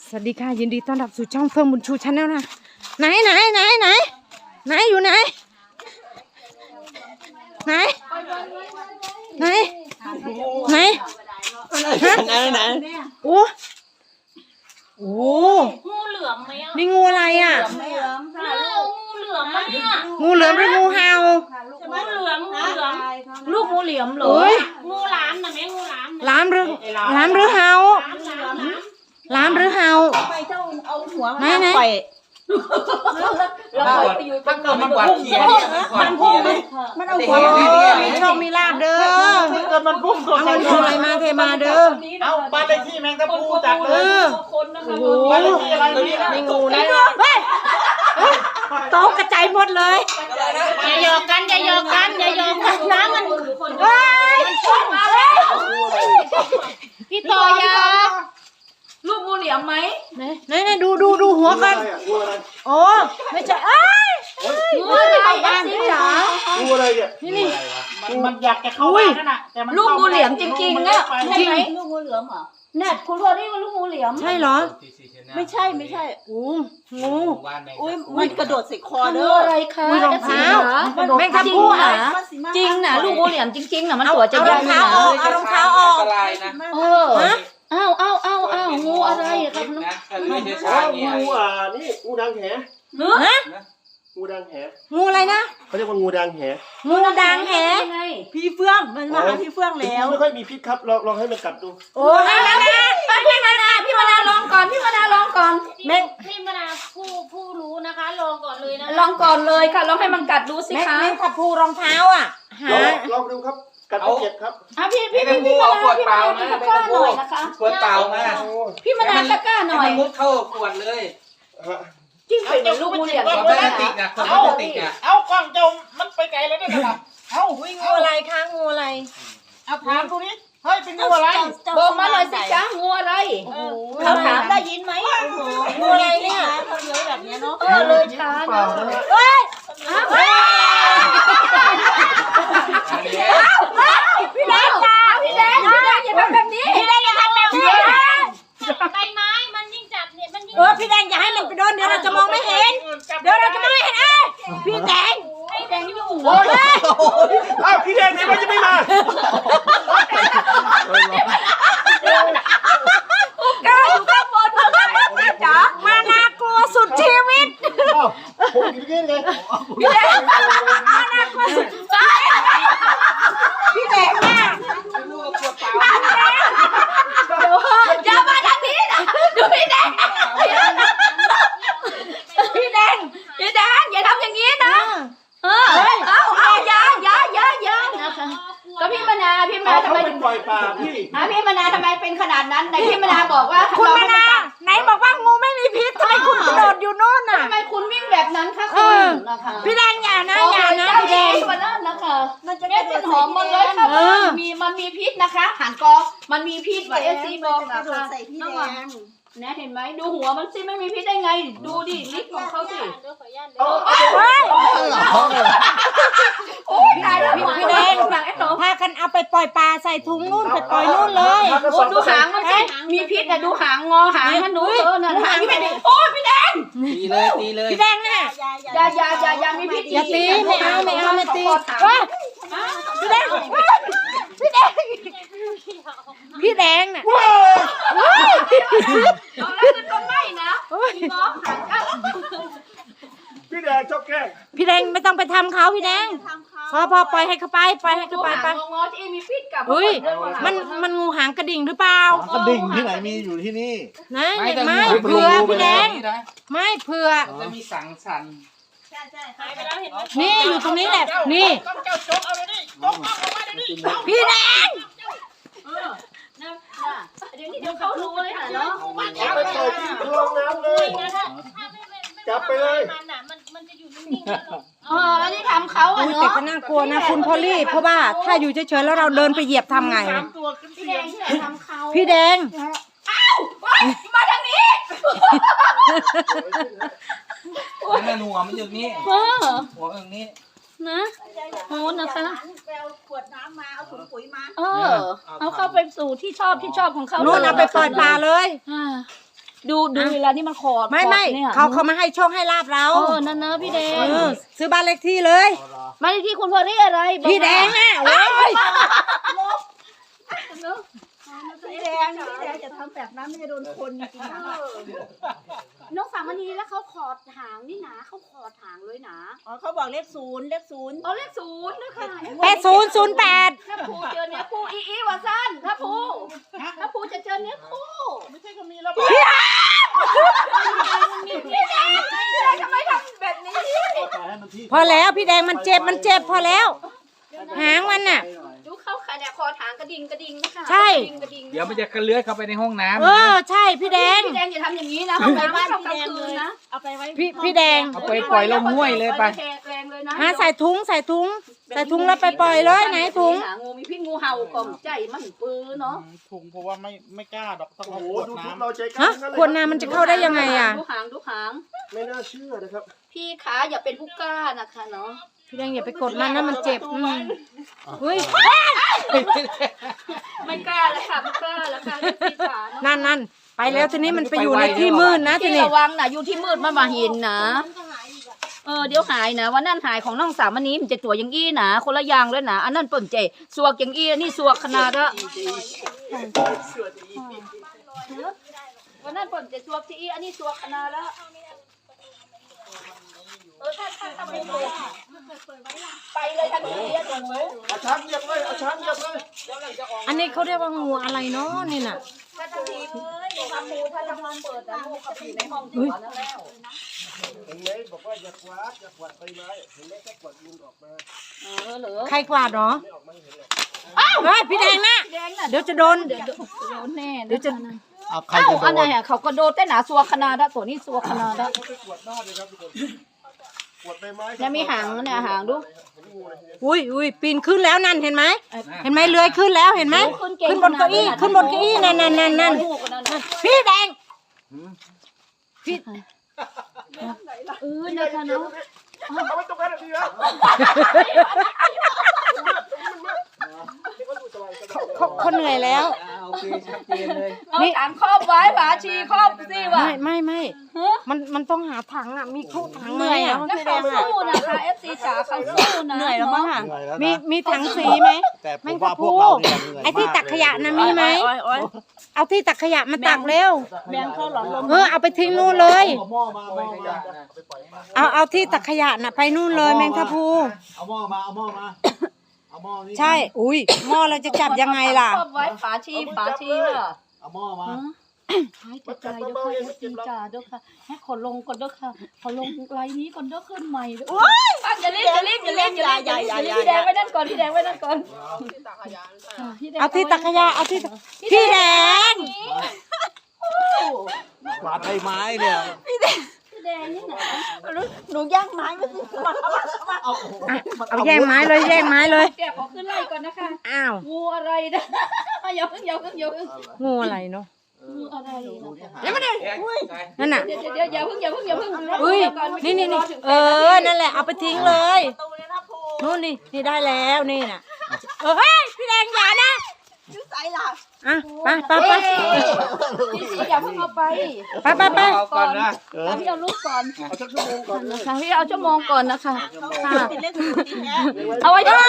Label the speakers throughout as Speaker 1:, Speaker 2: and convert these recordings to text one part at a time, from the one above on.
Speaker 1: สวัสดีค่ะยินดีต้อนรับสู่ช่องเฟิร์มบุญชูชาแนลนะไหนอยู่ไหนไหนไหนไหนไหนโอ้
Speaker 2: งูเหลือมไหมอ่ะ
Speaker 1: นี่งูอะไรอ่ะ
Speaker 2: งูเหลือมไหมอ่ะ
Speaker 1: งูเหลือมหรืองูเห่า
Speaker 2: งูเหลือมลูกงูเหลือมเหรอ
Speaker 1: โอ้ย
Speaker 2: งูหลามนะแม่งูหลาม
Speaker 1: ล้ามหรือเห่าล้ามหรือเห่า
Speaker 3: ไปเจ้าเอาหัว
Speaker 1: ไหน
Speaker 3: ไป
Speaker 2: เราไปอยู่ตรง
Speaker 4: มันกวาดเขียมันพุ่ง
Speaker 3: มันเอา
Speaker 1: โอ้มีโชคมีลาบเด้อ
Speaker 4: เกิดมันพุ่งตัว
Speaker 1: เอาเงินทองอะไรมาเทมาเด้อ
Speaker 4: เอาบ้านเลขที่แมงตะปูจัดเลย
Speaker 2: คนนะคะ
Speaker 1: โอ้โห
Speaker 4: บ้านเลขที่อะไรนี่
Speaker 1: นี่งูนะเฮ้ยโต๊ะกระจายหมดเลย
Speaker 2: อย่าโยกกันน้ำมัน
Speaker 1: เฮ้ย
Speaker 2: พี่ต่อยาลูกงูเหลือมไหม
Speaker 1: ไหนดูหัวกันโอ้ไม่ใช่เอ้ย
Speaker 2: งูอะไรอ่ะสีจ๋า
Speaker 4: งูอะไรเนี่ย
Speaker 1: นี่
Speaker 4: มันอยากจะเข้าบ้านนั่นน่ะแต่มัน
Speaker 2: ลูกงูเหลือมจริงๆนะใช่ไหม
Speaker 3: ลูกงูเหลือมเหรอ
Speaker 2: เนี่ยคุณพ่อนี่มันลูกงูเหลือม
Speaker 1: ใช่เหรอ
Speaker 3: ไม่ใช่
Speaker 1: โอ้งู
Speaker 3: อุ้ยมันกระโดดใส่คอ
Speaker 2: งู
Speaker 3: เด้อ
Speaker 2: อะไรคะ
Speaker 1: มีรองเท้าแม่งทับ
Speaker 2: จริง
Speaker 1: คู่
Speaker 2: นะ
Speaker 1: อ่ะ
Speaker 2: จริงนะลูกงูเหลือมจริงๆนะมัน
Speaker 1: เอา
Speaker 2: ตัวจะ
Speaker 1: เอา
Speaker 2: ให
Speaker 1: ร
Speaker 2: ญ่
Speaker 1: อง
Speaker 2: นะ
Speaker 1: เท้าออกเอารองเท้าออก
Speaker 2: เอออ้าวงูอะไรครับ
Speaker 4: งูนี่งูดังแห
Speaker 2: เนื้อ
Speaker 1: ฮะ
Speaker 4: งูดังแห
Speaker 1: งูอะไรนะ
Speaker 4: เขาเรียกว่างูดังแห
Speaker 1: งูดังแห
Speaker 2: ไง
Speaker 3: พี่เฟื่องมันมาหาพี่เฟื่องแล้ว
Speaker 4: ไม่ค่อยมีพิษครับลองให้มันกัดดู
Speaker 1: โอ้ยแล้วนะ
Speaker 2: พี่มนาลองก่อน
Speaker 1: แม่ง
Speaker 2: พี่มนาผู้รู้นะคะลองก่อนเลยนะ
Speaker 5: ลองก่อนเลยค่ะลองให้มันกัดดูสิคะ
Speaker 1: แม่งทับคู่รองเท้าอ่ะหา
Speaker 4: ลองดูครับกัดไม่เจ็บครับ
Speaker 5: พี่มนาตะกร้าหน่อยนะคะ
Speaker 6: ขวดเปล่ามา
Speaker 5: พี่มนาตะกร้าหน่อย
Speaker 6: มุดเข้าขวดเลย
Speaker 5: จิ้มเป็นลูกงูเหลี่ยม
Speaker 6: ขวดพลาสติกอ่ะขวดพลาสติกอ่ะ
Speaker 4: เอากล้องจมมันไปไกลแล้วเนี่ยนะเอาวิ่ง
Speaker 1: งูอะไรคะงูอะไร
Speaker 4: เอาถามตัวนี้เฮ้ยเป็นงูอะไร
Speaker 5: บอกมาหน่อยสิจ้างูอะไร
Speaker 3: เขาถามได้ยินไหม
Speaker 1: งูอะไรเนี่ย
Speaker 3: เขาเยอะแบบนี้เนาะ
Speaker 5: เลยช้านะ
Speaker 1: พี่แดงจ้าพี่แดงอย่าทำแบบนี้พี่แดงอย่าทำแบบนี้
Speaker 2: ใบไม้มันยิ่งจับเนี่ยมันยิ่ง
Speaker 1: พี่แดงอย่าให้มันไปโดนเดี๋ยวเราจะมองไม่เห็นพี่แดง
Speaker 2: แดงอยู่
Speaker 4: โอ้ยอ้าวพี่แดงไหนว่าจะไม่มา
Speaker 1: ก้าวอยู่ข้างบนเลยจ๋ามาน่ากลัวสุดชีวิต
Speaker 4: อ้าวผมอยู่ที่นี่ไง
Speaker 1: พี่แดงน่ากลัวสุดพี่แดงน่ะอย่ามาทางนี้นะดูพี่แดงอย่าทำอย่างนี้นะ
Speaker 5: เอาอย่านะคะก็พี่มนาทำ
Speaker 4: เขา
Speaker 5: ไม
Speaker 4: เป็นปล่อยปลาพี่
Speaker 5: พี่มนาทำไมเป็นขนาดนั้นแต่พี่มนาบอกว่า
Speaker 1: คุณมานาไหนบอกว่างูไม่มีพิษทำไมคุณกระโดดอยู่โน่นน่ะ
Speaker 5: ทำไมคุณวิ่งแบบนั้นคะคุณนะคะ
Speaker 1: พี่แดงอย่านะอย่านะพี่แดง
Speaker 5: มานั่นนะคะ
Speaker 3: มันจะ
Speaker 5: เม็ดเป็นหอมหมดเลยค่ะมันมีพิษนะคะหันกอมันมีพิษว่าซีบอก
Speaker 3: กระ
Speaker 5: นะ
Speaker 3: โดด
Speaker 5: คะ
Speaker 3: ใส่พี่แดง
Speaker 5: นะเห็นไหมดูหัวมันสิไม่มีพิษได้ไง ดูดิลิปของเขาสิ
Speaker 2: เดี๋ยวขออนุญาต
Speaker 5: โอ้ยตายแล้ว
Speaker 1: พี่แดง
Speaker 5: ฝั่งไอ้หนู
Speaker 1: พากันเอาไปปล่อยปลาใส่ถุงนู่นไปปล่อยนู่นเลย
Speaker 5: โอ้ดูหางมันสิมีพิษแต่ดูหางงอหางมันดูนั่นหางพี่แดงโอ้ยพี่แดง
Speaker 6: ตีเลย
Speaker 1: พี่แดงเนี่ย
Speaker 5: อย่ามีพิษ
Speaker 1: อย่าตีไม่เอาไม่ตีพี่แดงพี่แดงน่ะ
Speaker 5: เอาแล้วจะต้องไม่นะพี่น้องหาง
Speaker 4: พี่แดงชอบแกล้ง
Speaker 1: พี่แดงไม่ต้องไปทำเขาพี่แดงพอปล่อยให้เขาไปปล่อยให้
Speaker 5: ดู
Speaker 1: เขาไป
Speaker 5: หาง
Speaker 1: ไป
Speaker 5: งอที่มีพิษกับ
Speaker 1: เฮ้ยมันงูหางกระดิ่งหรือเปล่า
Speaker 7: กระดิ่งที่ไหนมีอยู่ที่นี่
Speaker 1: นะไม่เผื่อพี่แดงไม่เผื่อ
Speaker 6: จะมีสังสรรค์
Speaker 2: หายไปแล้วเห็นไหม
Speaker 1: นี่อยู่ตรงนี้แหละนี่
Speaker 4: เจ้าจกเอาเลยนี่จกเอามาเดี๋ยวนี้
Speaker 1: พี่แดง
Speaker 5: เดี๋ยวเขารู้เลยค่ะเนาะ
Speaker 4: เอาไปปล่อยที่คลองน้ำเลย
Speaker 2: ถ้าไม่
Speaker 4: จับไปเลย
Speaker 2: มันอ่ะมันจะอยู่นิ่งๆแล้ว
Speaker 5: อันนี้ทำเขาอ่ะ
Speaker 1: อุ้ย
Speaker 5: เนาะ
Speaker 1: แต่ก็น่ากลัวนะคุณพอลลี่เพราะว่าถ้าอยู่เฉยๆแล้วเราเดินไปเหยียบทำไง
Speaker 4: 3 ตัวขึ้น
Speaker 5: พี่
Speaker 4: เสี
Speaker 5: แด
Speaker 4: ยง
Speaker 5: งที่ไหนทำเขา
Speaker 1: พี่แดง
Speaker 5: มาทางนี้
Speaker 6: นั่นหัวมันอยู่นี่หัวอย่างนี้
Speaker 5: นะโอ้นะคะ
Speaker 3: ไปเอาขวดน้ำมาเอาถุงปุ๋ยมา
Speaker 5: เอาเข้าไปสู่ที่ชอบของเขา
Speaker 1: นู่นเอาไปปล่อยปลาเลย
Speaker 5: ดูเวลาที่มันขอด
Speaker 1: ไม่
Speaker 5: เนี่ย
Speaker 1: เขามาให้โชคให้ลาบเรา
Speaker 5: นั่นเนอะพี่แดง
Speaker 1: ซื้อบ้านเลขที่เลย
Speaker 5: มาที่คุณพ่อที่อะไรบอก
Speaker 1: พี่แดงน่ะโอ้ย
Speaker 3: พี่แดงจะทำแบบนั้นไม่จะโดนคนจริงๆนะ
Speaker 5: น้องสามณีแล้วเขาขอดหางนี่นะเขาขอดหางเลยนะ
Speaker 3: อ๋อเขาบอกเลขศูนย์
Speaker 5: เอาเลขศูนย์นะคะ
Speaker 1: 8008
Speaker 5: ถ้าภูเจอเนื้อคู่อีวาซันถ้าภูจะเจอเนื้อคู่
Speaker 4: ไม่ใช่ก็มีแล้ว
Speaker 5: พี่แดงทำไมทำแบบนี้
Speaker 1: พอแล้วพี่แดงมันเจ็บพอแล้ว หางมันน่ะ
Speaker 5: ดูเขาค่ะเนี่ยคอถางกระดิ่งนะคะ
Speaker 1: ใช่
Speaker 5: กระดิ่ง
Speaker 6: เดี๋ยวมันจะกระเลื้อยเข้าไปในห้องน้ำ
Speaker 1: ใช่พี่แดง
Speaker 5: พี่แดงอย่าทำอย่างนี้นะห้องน้ำไม่ต้องกลางคืนนะ
Speaker 3: เอาไปไว้
Speaker 1: พี่แดง
Speaker 6: เอาไปปล่อยลงห้วยเลยไป
Speaker 5: แรงเลยนะ
Speaker 1: ใส่ถุงแล้วไปปล่อยเลยไหนถุง
Speaker 5: หางูมีพิษงูเห่ากล่อมใจมันปื้อเนาะ
Speaker 7: ถุงเพราะว่าไม่กล้าดอกต้อง
Speaker 4: โอ้
Speaker 7: เอา
Speaker 4: โห
Speaker 7: ขวด
Speaker 4: ดูทุก
Speaker 7: น้ำ
Speaker 4: เราใจก
Speaker 1: ฮะ
Speaker 4: ล้าทั้งนั้น
Speaker 1: ขวดน้ำมันจะเข้าได้ยังไงอ่ะ
Speaker 5: ดูหาง
Speaker 4: ไม่น่าเชื่อนะครับ
Speaker 5: พี่ขาอย่าเป็นผู้กล้านะคะเนาะ
Speaker 1: พี่แดงอย่าไปกดมันนะมันเจ็บเฮ้ย
Speaker 5: ไม่กล้าแล้วค่ะไม่กล้าแล้วค่ะพี่ขา
Speaker 1: นั่นไปแล้วทีนี้มันไปอยู่ในที่มืดนะที
Speaker 5: ที่
Speaker 1: นี้
Speaker 5: ระวังนะอยู่ที่มืดมาเห็นนะเดี๋ยวหายนะวันนั้นหายของน้องสามอันนี้มันจะตัวอย่างอี้นะคนละอย่างเลยนะอันนั้นเปิ่นเจสวกอย่างอี้นี่สวกขนาดละวันนั้นเปิ่นเจสวกที่อี้อันนี้สวกขนาดละถ้าไปเลยทันทีอะหนู
Speaker 4: เอาช้างเหยียบเลยเอาช้างเหยียบเลย
Speaker 1: อันนี้เขาเรียกว่างูอะไรเนาะนี่น่ะ
Speaker 5: ถ้าทันทีเลยทำมูถ้าทำมันเปิดนะลูกกับอยู่ในห้องที่หวานแล้ว
Speaker 4: เห็นไหมบอกว่าอย่ากวาดใบไม้เห็นไหมถ้ากวาดยุงออกมา
Speaker 5: เหรอ
Speaker 1: ใครกวาดเนาะ
Speaker 4: ไม่ออกมาเห็นหรอก
Speaker 1: เฮ้ยพี่แดงนะ
Speaker 5: แดงน่ะ
Speaker 1: เดี๋ยวจะโดน
Speaker 5: โดนแน่เดี๋ยวจะ
Speaker 7: เอาใคร
Speaker 5: เอ้า
Speaker 7: จะโด
Speaker 5: อันไหน
Speaker 7: น
Speaker 5: อ่ะเขาก็โดนแต่หนาสัวขนาดละตัวนี้สัวขนาดละ
Speaker 4: เขาไปกวาดบ้านเลยครับทุกคนกวาดใบไม้
Speaker 5: แล้วมีหางเนี่ยหางดู
Speaker 1: อุ้ยปีนขึ้นแล้วนั่นเห็นไหมเลื้อยขึ้นแล้วเห็นไหมขึ้นบนเก้าอี้นั่นพี่แดงพี่
Speaker 5: นะคะเนาะ
Speaker 4: เอาไว้ตรงนั้นดีแล้ว
Speaker 1: เขาเหนื่อยแล้ว
Speaker 6: โอเคชัดเจนเลย
Speaker 5: เอาถังครอบไว้ฝาชีครอบสิวะ
Speaker 1: ไม่มันต้องหาถังอ่ะมีเข้าถังไหมอ่ะ
Speaker 5: แล้วเขาสู้นะคะ FC จ๋าเขาสู้นะเหนื่อยแล้วมั้ง
Speaker 7: เหนื่อยแล้ว
Speaker 1: มี
Speaker 7: นะ
Speaker 1: ถังสีไหม
Speaker 7: แต่ผมว่าพวกเราเนี่ยเหนื่อย
Speaker 1: ไอ้ที่
Speaker 7: มาก
Speaker 1: ตักขยะ
Speaker 7: เลย
Speaker 1: นะมีไหมเอาที่ตักขยะมาตักเร็ว
Speaker 3: แบงเข้าหลอดลม
Speaker 1: เอาไปทิ้งนู่นเลย
Speaker 7: เอาหม้อมาเอาหม้อมา
Speaker 1: เอาที่ตักขยะน่ะไปนู่นเลยแมงทับพลู
Speaker 7: เอาหม้อมาเอาหม้อมาเอาหม้อนี่
Speaker 1: ใช่อุ้ยหม้อเราจะจับยังไงล่ะ
Speaker 5: ครอบไว้ฝาชีเหรอ
Speaker 7: เอาหม้อมา
Speaker 5: หายใจเด้อค่ะ FC จ๋าเด้อค่ะให้ขอลงก่อนเด้อค่ะขอลงไลน์นี้ก่อนเด้อขึ้นใหม่เด้ออย่ารีบพี่แดงไว้นั่นก่อนพี่แดงไว้นั่นก่อน
Speaker 1: เอาที่ตักขยะเอาที่พี่แดง
Speaker 7: กวาดใบไม้เนี่ย
Speaker 5: พี่แดงนี่นะ
Speaker 3: หนูย่างไม้ไม่สิมา
Speaker 7: เอา
Speaker 1: เอาแย่งไม้เลย
Speaker 5: แกขอขึ้นไล่ก่อนนะคะ
Speaker 1: อ้าว
Speaker 5: งูอะไรนะอย่าเพิ่ง
Speaker 1: งูอะไรเนาะ
Speaker 5: งูอะไรนะ
Speaker 1: นั่นน่ะ
Speaker 5: เดี๋ยวอย่าเพิ่ง
Speaker 1: อุ้ยนี่นั่นแหละเอาไปทิ้งเลย
Speaker 3: ตูเลยนะภู
Speaker 1: นู่นนี่ได้แล้วนี่น่ะเฮ้ยพี่แดงอย่านะ
Speaker 3: ชื่อไซล่ะ
Speaker 1: อ่ะไป
Speaker 5: พี่อย่าเพิ่งเอาไป
Speaker 1: ไป
Speaker 6: เอาก่อนนะ
Speaker 5: พี่เอาลูกก่อน
Speaker 4: เอาสักชั่วโมงก่อนนะ
Speaker 5: นะคะพี่เอาชั่วโมงก่อนนะคะค่ะ
Speaker 3: เป็นเลขศูนย์ดีแท้
Speaker 5: เอาไว้ด้วย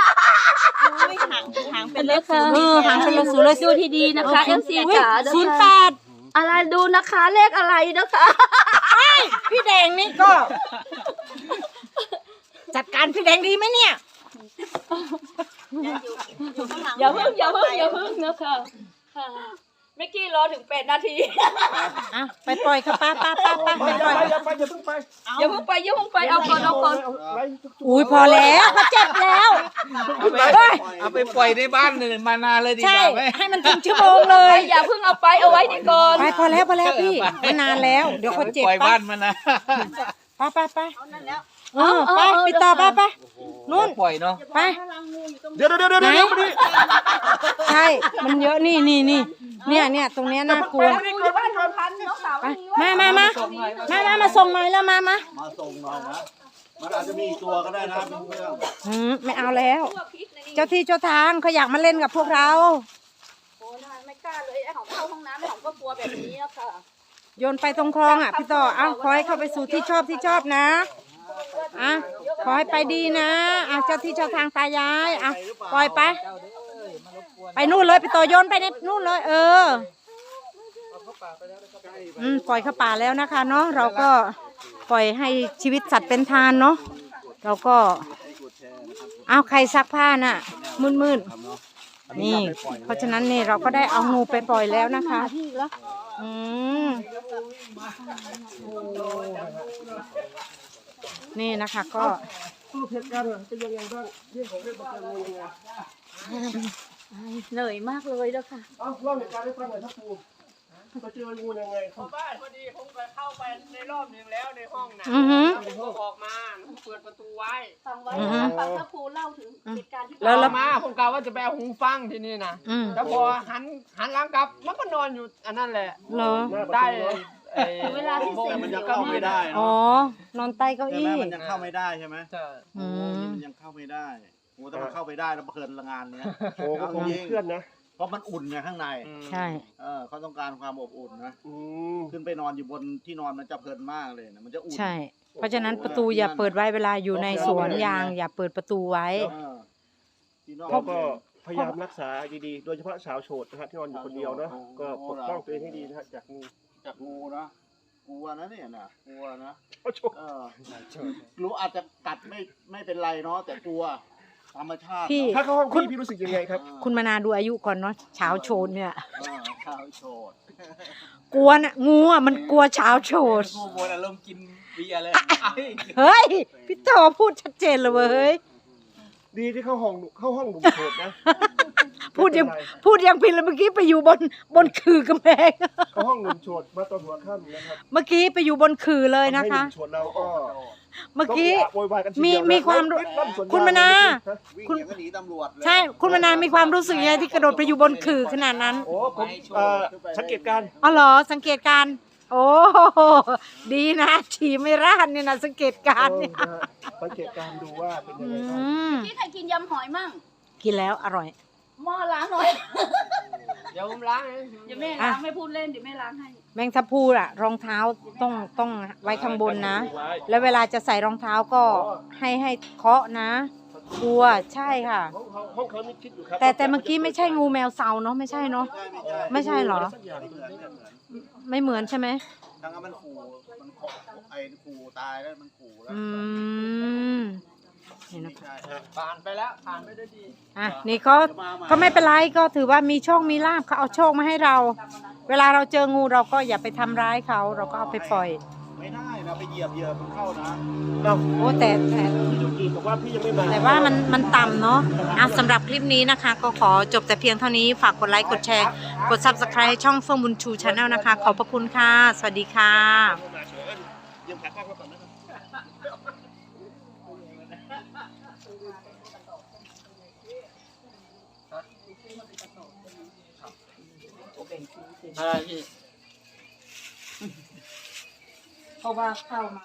Speaker 3: หางเป็นเลขศูนย์
Speaker 1: หางเป็นเลขศูนย์เลย
Speaker 5: ดูที่ดีนะคะ MC จ๋า
Speaker 1: 08
Speaker 5: อะไรดูนะคะเลขอะไรนะคะ
Speaker 1: พี่แดงนี่ก็ จัดการพี่แดงดีไหมเนี่ย
Speaker 5: อย่าเพิ่งนะคะค่ะเมื่อกี้รอถึง8 นาที
Speaker 1: อ่ะไปปล่อยค่ะป้าไปปล่อย
Speaker 4: อย่าไปอย่าเพิ่งไป
Speaker 5: อย่าเพิ่งไปเอาก่อน
Speaker 4: ไล่
Speaker 1: อุ้ยพอแล้วเขาเจ็บแล้ว
Speaker 6: เอาไปปล่อยในบ้านเลยมานานเลยดีก
Speaker 1: ใช่
Speaker 6: ว่าไหม
Speaker 1: ให้มันถึงชั่วโมงเลย
Speaker 5: อย่าเพิ่งเอาไปเอาไว้นี่ก่อน
Speaker 1: ไปพอแล้วพี่มันนานแล้วเดี๋ยวเขาเจ็บ
Speaker 6: ปล่อย
Speaker 1: ไป
Speaker 6: บ้านมันนะ
Speaker 1: ไปไปปิดต่อไปนู่น
Speaker 6: ปล่อยเนาะ
Speaker 1: ไป
Speaker 4: เดี๋ยวมาดิ
Speaker 1: ใช่มันเยอะนี่เนี่ยตรงเนี้ยน่ากลัว
Speaker 4: ไปก่อน
Speaker 5: พันน้องสาว
Speaker 1: ไปมาส่งหน่อยแล้วมา
Speaker 7: มาส่งหน่อยนะมันอาจจะมีอีกตัวก็ได้นะเป็นเพื่อน
Speaker 1: ไม่เอาแล้ว เจ้าที่เจ้าทางเขาอยากมาเล่นกับพวกเรา
Speaker 5: โอ้ยไม่กล้าเลยไอ้ของเข้าห้องน้ำไอ้ของก็กลัวแบบนี้อะค่ะ
Speaker 1: โยนไปตรงคลองอ่ะพี่ต่อเอาขอให้เข้าไปสู่ที่ชอบนะอ่ะขอให้ไปดีนะอ่ะเจ้าที่เจ้าทางตายายอ่ะปล่อยไปไปนู่นเลยพี่ต่อโยนไปในนู่นเลยปล่อยเข้าป่าแล้วนะคะเนาะเราก็ปล่อยให้ชีวิตสัตว์เป็นทานเนาะเราก็เอาใครซักผ้าน่ะมืดๆนี่เพราะฉะนั้นนี่เราก็ได้เอางูไปปล่อยแล้วนะคะนี่นะคะก็
Speaker 4: รูปเหตุการณ์เป็นยังไงบ้างเรื่องของเรื่องมันจะงูไง
Speaker 5: เหนื่อยมากเลยเด้อค่ะ
Speaker 4: เอ้าเล่าเหตุการณ์ให้ฟังหน่อยครับครูไปเจองูยังไงครับ
Speaker 8: บ้านพอดีผมก็เข้าไปในรอบหนึ่งแล้วในห้องนะผมก็ออกมาผมเปิดประตูไว้
Speaker 5: ฟังไว้นะฟังพระครูเล่าถึงเหตุการณ์ที่
Speaker 8: แล้วมาผมกะว่าจะไปเอาหูฟังที่นี่นะแล้วพอหันหลังกลับมันก็นอนอยู่อันนั้นแหละ
Speaker 1: เหรอ
Speaker 8: ได้
Speaker 5: เวลาที่
Speaker 7: แต่มันยังเข้าไม่ได้
Speaker 1: อ๋อ
Speaker 7: เนาะ
Speaker 1: นอนใต้เก้า
Speaker 7: ใช่ไหม
Speaker 1: อี้
Speaker 7: มันยังเข้าไม่ได้ใช่ไหม
Speaker 8: ใช่
Speaker 7: มันยังเข้าไม่ได้โอ้แต่มันเข้าไปได้แล้วเพลินละงานเนี้ย
Speaker 4: โอ้ก็คงมีเพื่อนนะ
Speaker 7: เพราะมันอุ่นไงข้างใน
Speaker 1: ใช่
Speaker 7: เขาต้องการความอบอุ่นนะ
Speaker 4: อืม
Speaker 7: ขึ้นไปนอนอยู่บนที่นอนมันจะเพลินมากเลยนะมันจะอุ่น
Speaker 1: ใช่ เพราะฉะนั้นประตูอย่าเปิดไว้เวลาอยู่ในสวนยางอย่าเปิดประตูไว้
Speaker 7: ที่นอก
Speaker 4: เราก็พยายามรักษาดีๆโดยเฉพาะสาวโสดนะฮะที่นอนอยู่คนเดียวเนาะก็ปกป้องตัวเองให้ดีนะฮะจากงู
Speaker 7: จากงูนะกลัวนะเนี่ยนะกลัวนะ
Speaker 4: โอ้โห
Speaker 7: รู้อาจจะกัดไม่เป็นไรเนาะแต่กลัวธรรมชาติ
Speaker 1: พี่
Speaker 4: ถ้าเข้าห้องพี่รู้สึกยังไงครับ
Speaker 1: คุณมานาดูอายุก่อนเนาะเช้าโชนเนี่ย
Speaker 7: ข้าวโชด
Speaker 1: กลัวนะงูอ่ะมันกลัวเช้าโชน
Speaker 6: งูโมนอารมณ์กินเบียร์เลย
Speaker 1: เฮ้ย พี่ต่อพูดชัดเจนเลยเว้ย
Speaker 4: ดีที่เข้าห้องหนุ่มโสดนะ
Speaker 1: พูดยังผิดเลยเมื่อกี้ไปอยู่บนคือกำแพง
Speaker 4: เข้าห้องหนุ่มโสดมาตอนหัวค่ำนะครับ
Speaker 1: เมื่อกี้ไปอยู่บนคือเลยนะคะ
Speaker 4: ให้หนุ่มโสดเราก็
Speaker 1: เมื่อกี้
Speaker 4: ต้องโวยวายกันทีเดียวนะ
Speaker 1: มีความรู้
Speaker 4: ลั่นสวนยง
Speaker 1: คุณมนา
Speaker 7: วิ่งอย่างก็หนีตำรวจเลย
Speaker 1: ใช่ คุณมานามีความรู้สึกยังไงที่กระโดดไปอยู่บนคือขนาดนั้น
Speaker 4: โอ้ผมสังเกตการณ์
Speaker 1: อ๋อเหรอสังเกตการณ์โอ้ดีนะฉี่ไม่ราดเนี่ยนะสังเกตการณ์เนี่ย
Speaker 4: นะฮะสังเกตการณ์ดูว่าเป็นยังไงบ้าง
Speaker 5: พี่ใครกินยำหอยมั่ง
Speaker 1: กินแล้วอร่อย
Speaker 5: หม้อล้างหน่อย
Speaker 8: เดี๋ยวผมล้างเอง
Speaker 5: เดี๋ยวแม่ล้างไม่พูดเล่นเดี๋ยวแม่ล้างให้
Speaker 1: แมงทับพลูอะรองเท้าต้องไว้ข้างบนนะ แล้วเวลาจะใส่รองเท้าก็ให้เคาะนะกลัวใช่ค่ะ
Speaker 4: ห้องเขานี่คิดอยู่ครับ
Speaker 1: แต่เมื่อกี้ไม่ใช่งูแมวเซาเนาะไม่ใช่เนาะ ไม่ใช่เหรอ
Speaker 4: สักอย่างหนึ่งเนี่ย
Speaker 1: ไม่เหมือนใช่ไหม
Speaker 7: ทั้งนั้นมันขู่มันขอไอ้ขู่ตายแล้วมันขู่แล้ว
Speaker 1: นี่นะ
Speaker 7: ใช่
Speaker 8: ผ่านไปแล้วผ่านไปด้วยดี
Speaker 1: อ่ะนี่ก็ไม่เป็นไรก็ถือว่ามีโชคมีลาภเขาเอาโชคมาให้เรา เวลาเราเจองูเราก็อย่าไปทำร้ายเขาเราก็เอาไปปล่อย
Speaker 7: ไม่ได้นะไปเหยียบมันเข้านะ
Speaker 4: เรา
Speaker 1: โอ้แต่
Speaker 4: พี่จุกีบอกว่าพี่ยังไม่มา
Speaker 1: แต่ว่ามันต่ำเนาะอ่ะสำหรับคลิปนี้นะคะ ก็ขอจบแต่เพียงเท่านี้ฝากกดไลค์กดแชร์กด Subscribe ช่องเฟื่องบุญชูชาแนลนะคะ ขอบพระคุณค่ะ สวัสดีค่ะ
Speaker 4: ยืมขากล้องมาก่อนนะครับ
Speaker 8: อะไรพี่
Speaker 5: เพราะว่าเข้ามา